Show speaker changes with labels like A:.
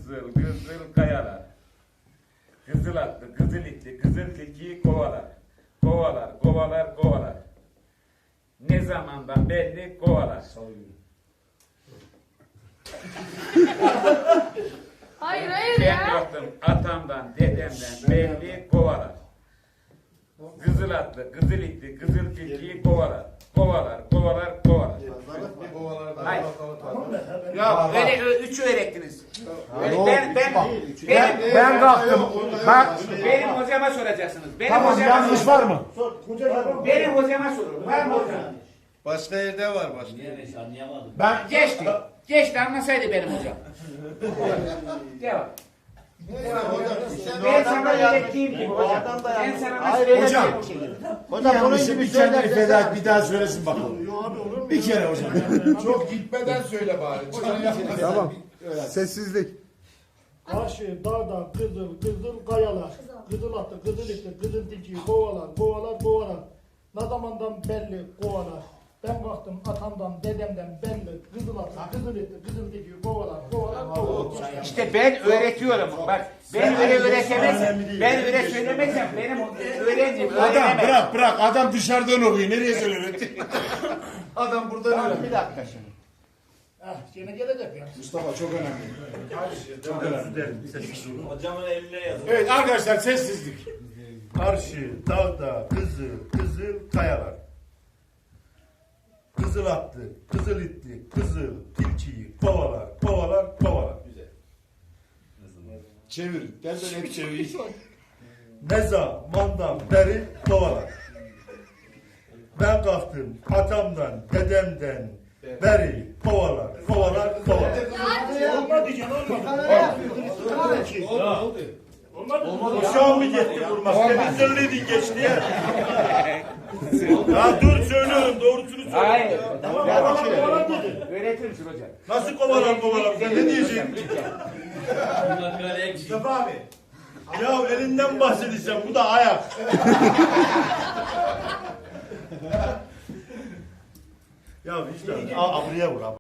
A: kızıl kızıl kayalar. Kızıl atlı, kızıl itli, kızıl tilkiyi kovalar. Kovalar, kovalar, kovalar. Ne zamandan belli kovalar.
B: Hayır hayır
A: Ben
B: ya.
A: baktım atamdan, dedemden belli kovalar. Kızıl atlı, kızıl itli, kızıl tilkiyi kovalar. Kovalar, kovalar, kovalar. Hayır. Ya öyle üçü öğrettiniz.
C: Ben kalktım. Bak.
A: Benim hocama soracaksınız. Benim
C: Tamam,
A: hocama
C: yanlış var mı?
A: Benim hocama sorun. Var mı hocam?
D: Başka yerde var başka.
E: Niye anlayamadım.
C: Ben
A: Geçti. Geçti anlasaydı benim hocam. Devam. Ben sana öğrettiğim gibi hocam. Ben sana nasıl
C: Hocam.
A: öğrettiğim şeyi.
C: bir yanlışı bir kendini feda et, bir daha söylesin bakalım. Bir kere hocam.
D: Çok gitmeden söyle bari.
F: Tamam. Sessizlik.
G: Karşı dağda kızıl kızıl kayalar. Kızıl atı, kızıl iti, kızıl tilkiyi kovalar, kovalar, kovalar. Ne zamandan belli kovalar. Ben baktım atamdan, dedemden belli. Kızıl atı, kızıl iti, kızıl tilkiyi kovalar, kovalar, kovalar.
A: İşte ben öğretiyorum. Bak ben öyle öğretemezsem, ben öyle söylemezsem benim öğrencim
C: Adam
A: öğrenemez.
C: bırak. Adam dışarıdan okuyor. Nereye söylüyor? Adam buradan
A: Tamam,
C: öğreniyor.
A: bir dakika şimdi.
G: Gene gelecek ya.
C: Mustafa çok önemli. Çok önemli.
E: Hocamın eline yazın.
C: Evet arkadaşlar sessizlik.
D: Karşı dağda kızıl kızıl kayalar. Kızıl attı, kızıl itti, kızıl tilkiyi kovalar, kovalar, kovalar.
C: Çevir. Ben hep çevir.
D: Ne zamandan beri kovalar. Ben kalktım atamdan, dedemden beri kovalar, kovalar, kovalar.
G: Olmadı can olmadı. Olmadı.
D: Uşağım mı gitti vurmak? Senin söyledin geçti ya. Ya dur söylüyorum doğrusunu söyle.
A: Hayır.
G: Kovalar dedi.
A: Öğretir misin hocam?
D: Nasıl kovalar kovalar? Sen ne diyeceksin?
E: Bunlar böyle eksik.
D: Mustafa abi. Ya elinden bahsedeceğim. Bu da ayak. Ya işte. Al buraya vur abi.